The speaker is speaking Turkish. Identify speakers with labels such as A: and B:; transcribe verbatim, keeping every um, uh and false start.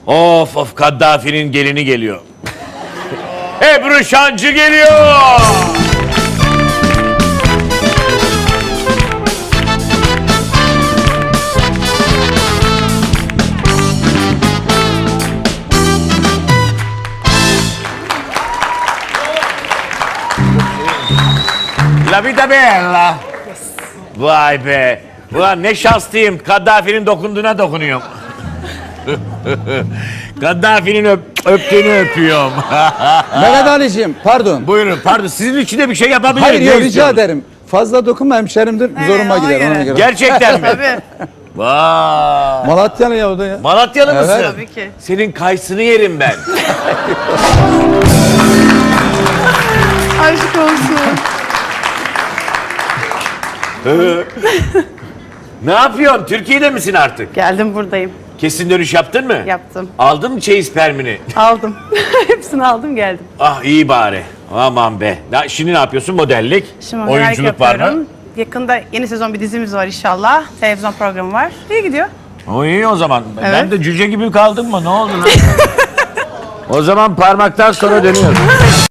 A: Of of, Kaddafi'nin gelini geliyor. Ebru Şancı geliyor. La vita bella. Vay be. Ulan ne şanslıyım. Kaddafi'nin dokunduğuna dokunuyorum. Kaddafi'nin öp, öptüğünü öpüyorum.
B: Mehmet Ali'ciğim pardon.
A: Buyurun, pardon. Sizin için de bir şey yapabilirim.
B: Hayır
A: Ne
B: yok rica
A: istiyorsunuz?
B: ederim. Fazla dokunma hemşerimdir. Zoruma
C: ona
B: gider ona
C: göre.
B: göre.
A: Gerçekten mi?
C: Tabii.
A: Vay.
B: Malatyalı ya o da ya.
A: Malatyalı
B: Evet.
A: mısın?
C: Tabii ki.
A: Senin kayısını yerim ben.
C: Aşk olsun.
A: Ne yapıyorsun? Türkiye'de misin artık?
C: Geldim, buradayım.
A: Kesin dönüş yaptın mı?
C: Yaptım.
A: Aldın mı çeyiz permini?
C: Aldım. Hepsini aldım, geldim.
A: Ah iyi bari. Aman be. Ya şimdi ne yapıyorsun? Modellik,
C: Şimdi modellik
A: oyunculuk var mı?
C: yapıyorum. Yakında yeni sezon bir dizimiz var inşallah. Televizyon programı var. İyi gidiyor.
A: O iyi o zaman. Ben
C: Evet.
A: de cüce gibi kaldım mı? Ne oldu lan? O zaman parmaktan sonra dönüyoruz.